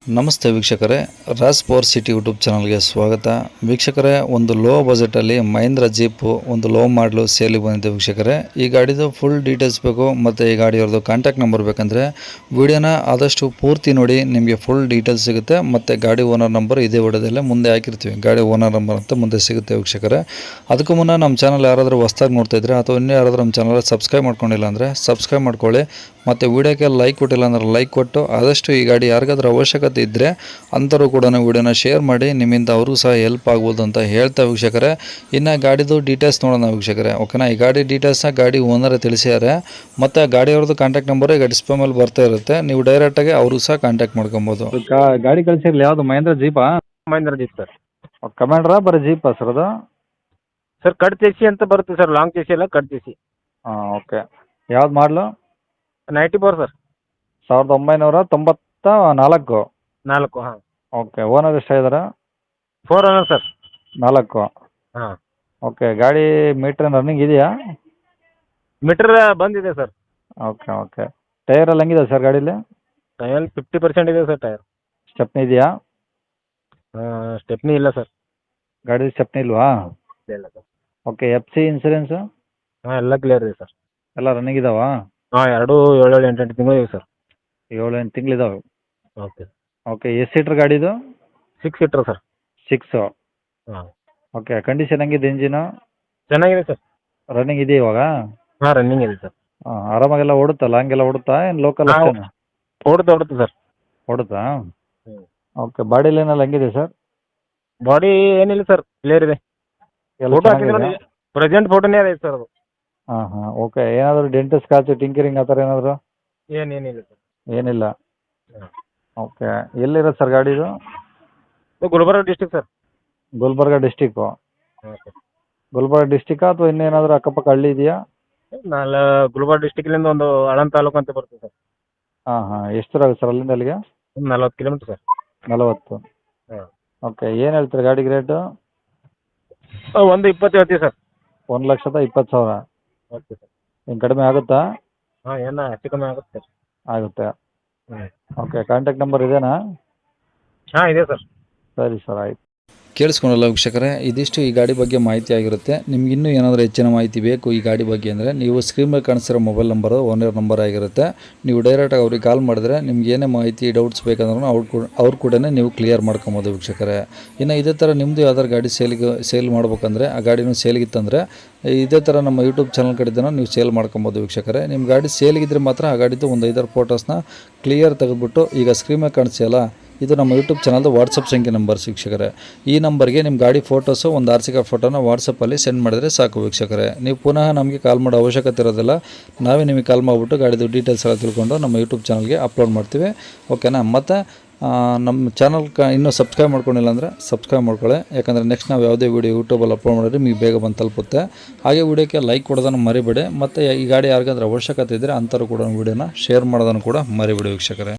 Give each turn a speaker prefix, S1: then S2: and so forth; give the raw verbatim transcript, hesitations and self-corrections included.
S1: ನಮಸ್ತೆ ವೀಕ್ಷಕರೇ, Raj power city YouTube ಚಾನಲ್ಗೆ ಸ್ವಾಗತ. ವೀಕ್ಷಕರೇ, ಒಂದು ಲೋ ಬಜೆಟಲ್ಲಿ ಮಹೇಂದ್ರ ಜೀಪು ಒಂದು ಲೋ ಮಾಡಲು ಸೇಲಿಗೆ ಬಂದಿದೆ. ವೀಕ್ಷಕರೇ, ಈ ಗಾಡಿದು ಫುಲ್ ಡೀಟೇಲ್ಸ್ ಬೇಕು ಮತ್ತು ಈ ಗಾಡಿಯವ್ರದ್ದು ಕಾಂಟ್ಯಾಕ್ಟ್ ನಂಬರ್ ಬೇಕಂದರೆ ವಿಡಿಯೋನ ಆದಷ್ಟು ಪೂರ್ತಿ ನೋಡಿ, ನಿಮಗೆ ಫುಲ್ ಡೀಟೇಲ್ಸ್ ಸಿಗುತ್ತೆ. ಮತ್ತು ಗಾಡಿ ಓನರ್ ನಂಬರ್ ಇದೇ ವಿಡಿಯೋದಲ್ಲೇ ಮುಂದೆ ಹಾಕಿರ್ತೀವಿ. ಗಾಡಿ ಓನರ್ ನಂಬರ್ ಅಂತ ಮುಂದೆ ಸಿಗುತ್ತೆ. ವೀಕ್ಷಕರೇ, ಅದಕ್ಕೂ ಮುನ್ನ ನಮ್ಮ ಚಾನಲ್ ಯಾರಾದರೂ ಹೊಸ್ದಾಗಿ ನೋಡ್ತಾ ಇದ್ರೆ ಅಥವಾ ಇನ್ನೂ ಯಾರಾದರೂ ನಮ್ಮ ಚಾನಲ್ ಸಬ್ಸ್ಕ್ರೈಬ್ ಮಾಡ್ಕೊಂಡಿಲ್ಲ ಅಂದರೆ ಸಬ್ಸ್ಕ್ರೈಬ್ ಮಾಡ್ಕೊಳ್ಳಿ. ಮತ್ತು ವಿಡಿಯೋಕ್ಕೆ ಲೈಕ್ ಕೊಟ್ಟಿಲ್ಲ ಅಂದ್ರೆ ಲೈಕ್ ಕೊಟ್ಟು ಆದಷ್ಟು ಈ ಗಾಡಿ ಯಾರಿಗಾದ್ರೂ ಅವಶ್ಯಕತೆ ಇದ್ದರೆ ಅಂಥವ್ರು ಕೂಡ ವಿಡಿಯೋನ ಶೇರ್ ಮಾಡಿ, ನಿಮ್ಮಿಂದ ಅವ್ರಿಗೂ ಸಹ ಹೆಲ್ಪ್ ಆಗ್ಬೋದು ಅಂತ ಹೇಳ್ತಾ ವೀಕ್ಷಕರೇ, ಇನ್ನು ಗಾಡಿದು ಡೀಟೇಲ್ಸ್ ನೋಡೋಣ ವೀಕ್ಷಕರೇ. ಓಕೆನಾ, ಈ ಗಾಡಿ ಡೀಟೇಲ್ಸ್ನ ಗಾಡಿ ಓನರೇ ತಿಳಿಸಿದ್ದಾರೆ. ಮತ್ತು ಗಾಡಿಯವ್ರದ್ದು ಕಾಂಟ್ಯಾಕ್ಟ್ ನಂಬರ್ ಈಗ ಡಿಸ್ಪ್ಲೇ ಮೇಲೆ ಬರ್ತಾ ಇರುತ್ತೆ. ನೀವು ಡೈರೆಕ್ಟಾಗಿ ಅವರು ಸಹ ಕಾಂಟ್ಯಾಕ್ಟ್ ಮಾಡ್ಕೊಬೋದು. ಗಾಡಿ ಕಳಿಸಿರಲಿ ಯಾವುದು ಮಹೇಂದ್ರ ಜೀಪಾ?
S2: Mahindra jeep sir.
S1: ಕಮಾಂಡ್ರಾ ಬರೀ ಜೀಪಾ ಸರ್ ಅದು?
S2: ಸರ್ ಕಟ್ ಚೇಸಿ ಅಂತ ಬರುತ್ತೆ ಸರ್, ಲಾಂಗ್ ಚೇಸಿ ಎಲ್ಲ ಕಟ್ ಚೇಸಿ.
S1: ಹಾಂ, ಓಕೆ. ಯಾವ್ದು ಮಾಡಲು?
S2: Ninety four sir.
S1: ಸಾವಿರದ ಒಂಬೈನೂರ ತೊಂಬತ್ತ ನಾಲ್ಕು
S2: ನಾಲ್ಕು ಹಾಂ.
S1: ಓಕೆ. ಓನರ್ ಎಷ್ಟಾಗಿದ್ದಾರೆ?
S2: Four owner sir.
S1: ನಾಲ್ಕು.
S2: ಹಾಂ.
S1: ಓಕೆ. ಗಾಡಿ ಮೀಟ್ರ್ ರನ್ನಿಂಗ್ ಇದೆಯಾ?
S2: ಮೀಟರ್ ಬಂದಿದೆ ಸರ್.
S1: Okay okay. ಟೈರ್ ಎಲ್ಲ ಹೆಂಗಿದೆ ಸರ್ ಗಾಡೀಲಿ?
S2: ಟೈರ್ ಫಿಫ್ಟಿ ಪರ್ಸೆಂಟ್ ಇದೆ ಸರ್ ಟೈರ್.
S1: ಸ್ಟೆಪ್ನಿ ಇದೆಯಾ?
S2: ಸ್ಟೆಪ್ನಿ ಇಲ್ಲ ಸರ್.
S1: ಗಾಡಿ ಸ್ಟೆಪ್ನಿ ಇಲ್ವಾ?
S2: ಇಲ್ಲ sir.
S1: Okay. F C insurance
S2: ಹಾಂ ಎಲ್ಲ ಕ್ಲಿಯರ್ ಇದೆ ಸರ್.
S1: ಎಲ್ಲ ರನ್ನಿಂಗ್ ಇದಾವಾ?
S2: ಹಾಂ, ಎರಡು ಏಳು ಏಳು ಎಂಟು ಎಂಟು ತಿಂಗಳು ಇದೆ ಸರ್.
S1: ಏಳು ಎಂಟು ತಿಂಗಳಿದಾವೆ.
S2: ಓಕೆ.
S1: ಓಕೆ. ಎಷ್ಟು ಸೀಟ್ರ್ ಗಾಡಿದು?
S2: Six seater sir.
S1: ಸಿಕ್ಸು.
S2: ಹಾಂ.
S1: ಓಕೆ. ಕಂಡೀಷನ್ ಹೆಂಗಿದೆ ಇಂಜಿನು?
S2: ಚೆನ್ನಾಗಿದೆ ಸರ್.
S1: ರನ್ನಿಂಗ್ ಇದೆ ಇವಾಗ?
S2: ಹಾಂ ರನ್ನಿಂಗ್ ಇದೆ ಸರ್.
S1: ಹಾಂ, ಆರಾಮಾಗೆಲ್ಲ ಓಡುತ್ತಾ? ಲಾಂಗೆಲ್ಲ ಓಡುತ್ತಾ ಏನು ಲೋಕಲ್
S2: ಹಾಂ,
S1: ಅಷ್ಟೇನಾ?
S2: ಓಡುತ್ತೆ ಓಡುತ್ತೆ ಸರ್.
S1: ಓಡುತ್ತಾ?
S2: ಹ್ಞೂ.
S1: ಓಕೆ. ಬಾಡಿ ಲೈನೆಲ್ಲ ಹೆಂಗಿದೆ ಸರ್?
S2: ಬಾಡಿ ಏನಿಲ್ಲ ಸರ್, ಕ್ಲಿಯರ್ ಇದೆ.
S1: ಎಲ್ಲ
S2: ಫೋಟೋ ಹಾಕಿದ್ರೆ
S1: ಚೆನ್ನಾಗಿದೆ?
S2: ಪ್ರೆಸೆಂಟ್ ಫೋಟೋನೇ ಇದೆ ಸರ್ ಅದು.
S1: ಹಾಂ ಹಾಂ. ಓಕೆ. ಏನಾದರೂ ಡೆಂಟ್ ಸ್ಕ್ರಾಚು ಟಿಂಕರಿಂಗ್ ಆ ಥರ ಏನಾದರೂ?
S2: ಏನೇನಿಲ್ಲ ಸರ್.
S1: ಏನಿಲ್ಲ.
S2: ಹಾಂ.
S1: ಓಕೆ. ಎಲ್ಲಿರೋದು ಸರ್ ಗಾಡಿದು?
S2: Gulbarga district sir.
S1: Gulbarga district.
S2: ಹಾಂ ಸರ್.
S1: ಗುಲ್ಬರ್ಗ ಡಿಸ್ಟಿಕ್ಕಾ ಅಥವಾ ಇನ್ನೇನಾದರೂ ಅಕ್ಕಪಕ್ಕ ಹಳ್ಳಿ ಇದೆಯಾ?
S2: ನಾಳೆ ಗುಲ್ಬರ್ಗ ಡಿಸ್ಟಿಕ್ಲಿಂದ ಒಂದು ಆಳಂದ ತಾಲೂಕು ಅಂತ ಬರ್ತದೆ ಸರ್.
S1: ಹಾಂ ಹಾಂ. ಎಷ್ಟು ದೂರ ಆಗುತ್ತೆ ಸರ್ ಅಲ್ಲಿಂದ ಅಲ್ಲಿಗೆ?
S2: ಒಂದು ನಲ್ವತ್ತು ಕಿಲೋಮೀಟ್ರ್ ಸರ್.
S1: ನಲವತ್ತು.
S2: ಹಾಂ.
S1: ಓಕೆ. ಏನು ಹೇಳ್ತೀರಿ ಗಾಡಿಗೆ ರೇಟು?
S2: ಒಂದು ಇಪ್ಪತ್ತು ಹೇಳ್ತೀವಿ ಸರ್.
S1: ಒಂದು ಲಕ್ಷದ ಇಪ್ಪತ್ತು ಸಾವಿರ.
S2: Okay sir.
S1: ಏನು ಕಡಿಮೆ ಆಗುತ್ತಾ?
S2: ಹಾಂ, ಏನೋ ಹೆಚ್ಚು ಕಮ್ಮಿ ಆಗುತ್ತೆ ಸರ್.
S1: ಆಗುತ್ತೆ.
S2: ಹ್ಞೂ.
S1: ಓಕೆ. ಕಾಂಟ್ಯಾಕ್ಟ್ ನಂಬರ್ ಇದೇನಾ?
S2: ಹಾಂ ಇದೆ ಸರ್.
S1: ಸರಿ ಸರ್, ಆಯಿತು. ಕೇಳಿಸ್ಕೊಂಡಲ್ಲ ವೀಕ್ಷಕರೇ, ಇದಿಷ್ಟು ಈ ಗಾಡಿ ಬಗ್ಗೆ ಮಾಹಿತಿ ಆಗಿರುತ್ತೆ. ನಿಮ್ಗೆ ಇನ್ನೂ ಏನಾದರೂ ಹೆಚ್ಚಿನ ಮಾಹಿತಿ ಬೇಕು ಈ ಗಾಡಿ ಬಗ್ಗೆ ಅಂದರೆ ನೀವು ಸ್ಕ್ರೀನ್ ಮೇಲೆ ಕಾಣಿಸ್ತಿರೋ ಮೊಬೈಲ್ ನಂಬರು ಓನರ್ ನಂಬರ್ ಆಗಿರುತ್ತೆ. ನೀವು ಡೈರೆಕ್ಟಾಗಿ ಅವ್ರಿಗೆ ಕಾಲ್ ಮಾಡಿದ್ರೆ ನಿಮ್ಗೆ ಏನೇ ಮಾಹಿತಿ ಡೌಟ್ಸ್ ಬೇಕಂದ್ರೂ ಅವ್ರು ಕೂಡ ಅವ್ರು ಕೂಡ ನೀವು ಕ್ಲಿಯರ್ ಮಾಡ್ಕೊಬೋದು ವೀಕ್ಷಕರೇ. ಇನ್ನು ಇದೇ ಥರ ನಿಮ್ಮದು ಯಾವ್ದಾರು ಗಾಡಿ ಸೇಲಿಗೆ ಸೇಲ್ ಮಾಡ್ಬೇಕಂದ್ರೆ, ಆ ಗಾಡಿನೂ ಸೇಲಿಗಿತ್ತಂದರೆ ಇದೇ ಥರ ನಮ್ಮ ಯೂಟ್ಯೂಬ್ ಚಾನಲ್ ಕಡೆದನ್ನು ನೀವು ಸೇಲ್ ಮಾಡ್ಕೊಬೋದು ವೀಕ್ಷಕರೇ. ನಿಮ್ಮ ಗಾಡಿ ಸೇಲಿಗಿದ್ರೆ ಮಾತ್ರ ಆ ಗಾಡಿದು ಒಂದು ಐದಾರು ಫೋಟೋಸ್ನ ಕ್ಲಿಯರ್ ತೆಗೆದುಬಿಟ್ಟು ಈಗ ಸ್ಕ್ರೀನ್ ಮೇಲೆ ಕಾಣಿಸ್ತಿಯಲ್ಲ, ಇದು ನಮ್ಮ ಯೂಟ್ಯೂಬ್ ಚಾನಲ್ದು ವಾಟ್ಸಪ್ ಸಂಖ್ಯೆ ನಂಬರ್ ವೀಕ್ಷಕರೇ. ಈ ನಂಬರ್ಗೆ ನಿಮ್ಮ ಗಾಡಿ ಫೋಟೋಸು ಒಂದು ಆರ್ ಸಿ ಕಾರ್ಡ್ ಫೋಟೋನ ವಾಟ್ಸಪ್ಪಲ್ಲಿ ಸೆಂಡ್ ಮಾಡಿದ್ರೆ ಸಾಕು ವೀಕ್ಷಕರೇ. ನೀವು ಪುನಃ ನಮಗೆ ಕಾಲ್ ಮಾಡೋ ಅವಶ್ಯಕತೆ ಇರೋದಿಲ್ಲ. ನಾವೇ ನಿಮಗೆ ಕಾಲ್ ಮಾಡಿಬಿಟ್ಟು ಗಾಡಿದು ಡೀಟೇಲ್ಸ್ ಎಲ್ಲ ತಿಳ್ಕೊಂಡು ನಮ್ಮ ಯೂಟ್ಯೂಬ್ ಚಾನಲ್ಗೆ ಅಪ್ಲೋಡ್ ಮಾಡ್ತೀವಿ. ಓಕೆನಾ? ಮತ್ತು ನಮ್ಮ ಚಾನಲ್ ಕ ಇನ್ನೂ ಸಬ್ಸ್ಕ್ರೈಬ್ ಮಾಡ್ಕೊಂಡಿಲ್ಲ ಅಂದರೆ ಸಬ್ಸ್ಕ್ರೈಬ್ ಮಾಡ್ಕೊಳ್ಳಿ. ಯಾಕಂದರೆ ನೆಕ್ಸ್ಟ್ ನಾವು ಯಾವುದೇ ವೀಡಿಯೋ ಯೂಟ್ಯೂಬಲ್ಲಿ ಅಪ್ಲೋಡ್ ಮಾಡಿದ್ರೆ ನಿಮಗೆ ಬೇಗ ಬಂದು ತಲುಪುತ್ತೆ. ಹಾಗೆ ವೀಡಿಯೋಕ್ಕೆ ಲೈಕ್ ಕೊಡೋದನ್ನು ಮರಿಬೇಡಿ. ಮತ್ತು ಈ ಗಾಡಿ ಯಾರಿಗಾದ್ರೂ ಅವಶ್ಯಕತೆ ಇದ್ದರೆ ಅಂಥವ್ರು ಕೂಡ ವೀಡಿಯೋನ ಶೇರ್ ಮಾಡೋದನ್ನು ಕೂಡ ಮರಿಬೇಡಿ ವೀಕ್ಷಕರೇ.